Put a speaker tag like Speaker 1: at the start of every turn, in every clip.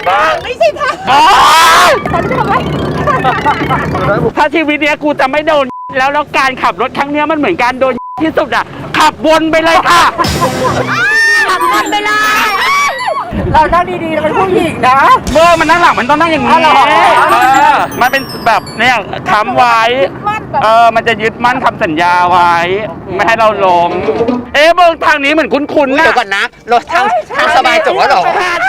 Speaker 1: บ้างไม่ใช่ทางฉันทำไมถ้าชีวิตเนี้ยกูจะไม่โดนแล้วการขับรถครั้งเนี้ยมันเหมือนการโดนที่สุดอ่ะขับวนไปเลยค่ะขับวนไปเลยเรานั่งดีๆเราเป็นผู้หญิงนะเมื่อมันนั่งหลังมันต้องนั่งอย่างนี้มันเป็นแบบเนี่ยค้ำไว้มันจะยึดมั่นคำสัญญาไว้ไม่ให้เราล้มเบิ่งทางนี้เหมือนคุ้นๆนะ
Speaker 2: เดี๋ยวก่อนนะรถทางสบายจบแล้วหรอ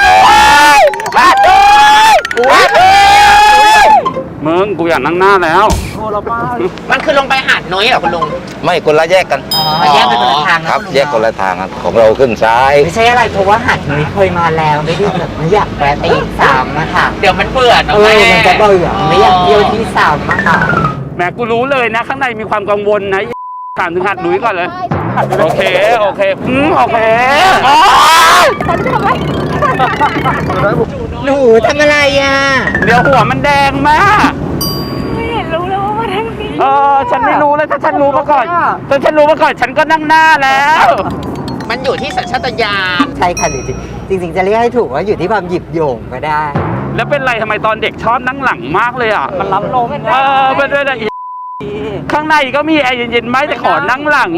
Speaker 1: มึงกูอยากนั่งหน้าแล้ว
Speaker 2: มันคือลงไปหาดน้อยเหรอคุณลุง
Speaker 3: ไม่คนละแยกกัน
Speaker 2: แยกเป็นคนละทาง
Speaker 3: ครับแยกคนละทางของเราขึ้นซ้าย
Speaker 2: ไม่ใช่อะไรเพราะว่าหาดน้อยเคยมาแล้วไม่ได้แบบไม่อยากแวะไปอีก3อะค่ะเดี๋ยวมันเบื่อมันจะเบื่อไม่อยากเที่ยวที่3อะค่ะ
Speaker 1: แหมกูรู้เลยนะข้างในมีความกังวลนะถามถึงหาดหลุยก่อนเลยโอเคโอเคโอเคฉันทำไม
Speaker 2: หนูทำอะไรอ่ะ
Speaker 1: เดี๋ยวหัวมันแดงมากไม่เห็นรู้เลยว่ามาทางนี้ฉันไม่รู้เลยถ้าฉันรู้มาก่อนฉันก็นั่งหน้าแล้ว
Speaker 2: มันอยู่ที่สัญชาตญาณใช่ค่ะจริงจะเรียกให้ถูกว่าอยู่ที่ความหยิบโยงก็ได้
Speaker 1: แล้วเป็นไรทำไมตอนเด็กชอบนั่งหลังมากเลยอ่ะมันรับลมเป็นด้วยนะข้างในก็มีแอร์เย็นๆไหมแต่ขอนั่งหลัง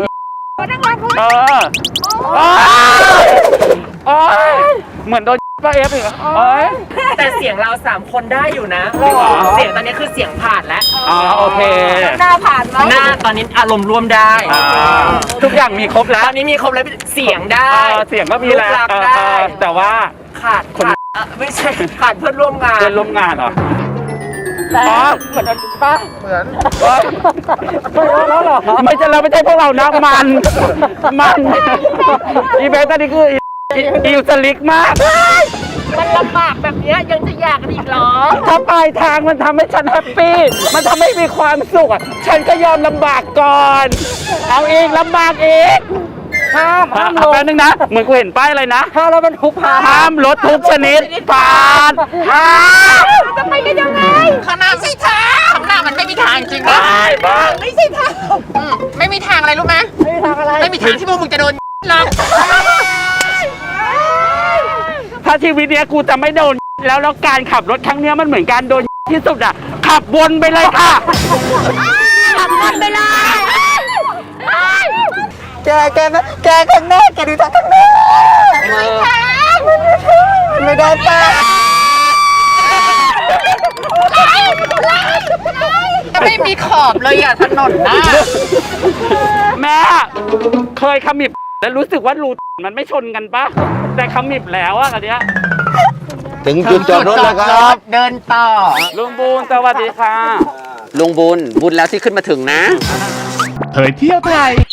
Speaker 1: เหมือนโดนป้าเอฟอีก
Speaker 2: แต่เสียงเรา3คนได้อยู่นะเสียงตอนนี้คือเสียงผ่านแล้ว
Speaker 1: โอเค
Speaker 2: หน้าผ่านไหมหน้าตอนนี้อารมณ์ร่วมได้
Speaker 1: ทุกอย่างมีครบแล้ว
Speaker 2: ตอนนี้มีครบแล้วเสียงได้
Speaker 1: เสียงก็มีแล้วแต่ว่า
Speaker 2: ขาดคนไม่ใช่ขาดเพื่อนร่วมงาน
Speaker 1: เหรอเหมือนป้าเหมือนแล้วหรอไม่ใช่พวกเรานะมันอีเบสตอนนี้คืออิวสลิกมาก
Speaker 2: มันลำบากแบบนี้ยังจะอยากอีกเหรอ
Speaker 1: ถ้าปลายทางมันทำให้ฉันแฮปปี้มันทำให้มีความสุขฉันก็ยอมลำบากก่อนเอาเองลำบากเองห้ามลงแป๊บนึงนะเหมือนกูเห็นป้ายอะไรนะ
Speaker 2: ห้ามรถบรรทุก
Speaker 1: ห้ามรถทุกชนิดผ่าน
Speaker 2: จะไปกันยังไงข้างหน้าไม่ใช่ทางข้างหน้ามันไม่มีทางจริงนะไม่ใช่ทางไม่มีทางอะไรรู้ไหมไม่มีทางอะไรไม่มีทางที่พวกมึงจะโดนหรอก
Speaker 1: ถ้าชีวิตเนี้ยกูจะไม่โดนแล้วการขับรถครั้งเนี้ยมันเหมือนการโดนที่สุดอ่ะขับวนไปเลยค่ะ
Speaker 2: ขับวนไปเลยแกข้างหน้าแกดูทางข้างหน้าไม่ได้ป่ะไม่มีขอบเลยอ่ะถนนนะ
Speaker 1: แม่เคยขมิบแล้วรู้สึกว่ารูมันไม่ชนกันปะแต่ขมิบแล้วอะอันเนี้ย
Speaker 3: ถึงจุดจอดรถแล้วครับ
Speaker 2: เดินต่อ
Speaker 1: ลุงบูนสวัสดีค่ะ
Speaker 2: ลุงบุญแล้วที่ขึ้นมาถึงนะ
Speaker 4: เผยเที่ยวไทย